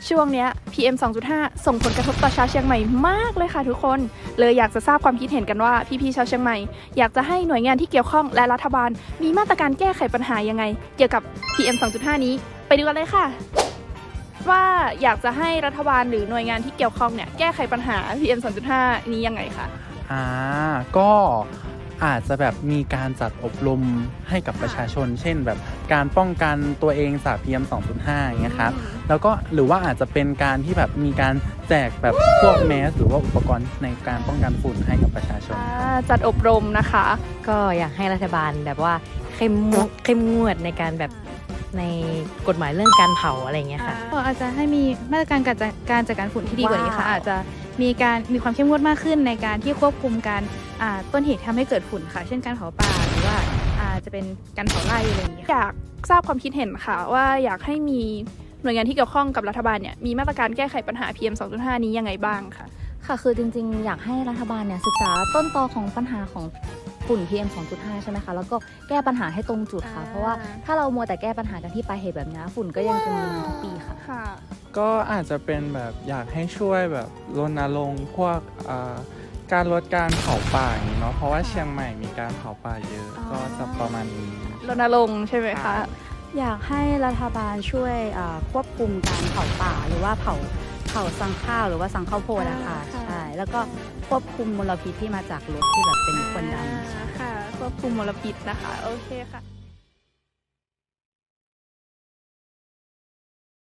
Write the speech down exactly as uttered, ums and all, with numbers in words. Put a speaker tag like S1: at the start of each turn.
S1: ช่วงนี้ พี เอ็ม สองจุดห้า ส่งผลกระทบต่อชาวเชียงใหม่มากเลยค่ะทุกคนเลยอยากจะทราบความคิดเห็นกันว่าพี่ๆชาวเชียงใหม่อยากจะให้หน่วยงานที่เกี่ยวข้องและรัฐบาลมีมาตรการแก้ไขปัญหายังไงเกี่ยวกับ พี เอ็ม สองจุดห้า นี้ไปดูกันเลยค่ะว่าอยากจะให้รัฐบาลหรือหน่วยงานที่เกี่ยวข้องเนี่ยแก้ไขปัญหา พี เอ็ม สองจุดห้า นี้ยังไงคะ
S2: อ่าก็อาจจะแบบมีการจัดอบรมให้กับประชาชนเช่นแบบการป้องกันตัวเองจาก พี เอ็ม สองจุดห้า อย่างเงี้ยครับแล้วก็หรือว่าอาจจะเป็นการที่แบบมีการแจกแบบพวกแมสหรือว่าอุปกรณ์ในการป้องกันฝุ่นให้กับประชาชน
S1: จัดอบรมนะคะ
S3: ก็อยากให้รัฐบาลแบบว่าเข้มงวดเข้มงวดในการแบบในกฎหมายเรื่องการเผาอะไรเงี้ยค่ะ
S4: ก็อาจจะให้มีมาตรการการจัดการจัดการฝุ่นที่ดีกว่านี้ค่ะอาจจะมีการมีความเข้มงวดมากขึ้นในการที่ควบคุมการต้นเหตุทำให้เกิดฝุ่นค่ะเช่นการเผาป่าหรือว่าอาจจะเป็นการเผาไร่อะไรอย่างเงี้ย
S1: อยากทราบความคิดเห็นค่ะว่าอยากให้มีหน่วยงานที่เกี่ยวข้องกับรัฐบาลเนี่ยมีมาตรการแก้ไขปัญหา พี เอ็ม สองจุดห้า นี้ยังไงบ้างค่ะ
S5: ค่ะคือจริงๆอยากให้รัฐบาลเนี่ยศึกษาต้นตอของปัญหาของฝุ่น พี เอ็ม สองจุดห้า ใช่ไหมคะแล้วก็แก้ปัญหาให้ตรงจุดค่ะเพราะว่าถ้าเรามัวแต่แก้ปัญหากันที่ปลายเหตุแบบนี้ฝุ่นก็ยังจะมีมาทุกปีค่ะ
S2: ก็อาจจะเป็นแบบอยากให้ช่วยแบบรณรงค์พวกการลดการเผาป่าอย่างนี้เนาะเพราะว่าเชียงใหม่มีการเผาป่าเยอะก็จะประมาณนี้
S1: รณรงค์ใช่ไหมคะ
S3: อยากให้รัฐบาลช่วยควบคุมการเผาป่าหรือว่าเผาเผาสังข้าวหรือว่าสังข้าวโพดนะคะใช่แล้วก็ควบคุมมลพิษที่มาจากรถที่แบบเป็นควันดำ
S1: ค่ะควบคุมมลพิษนะคะโอเคค่ะ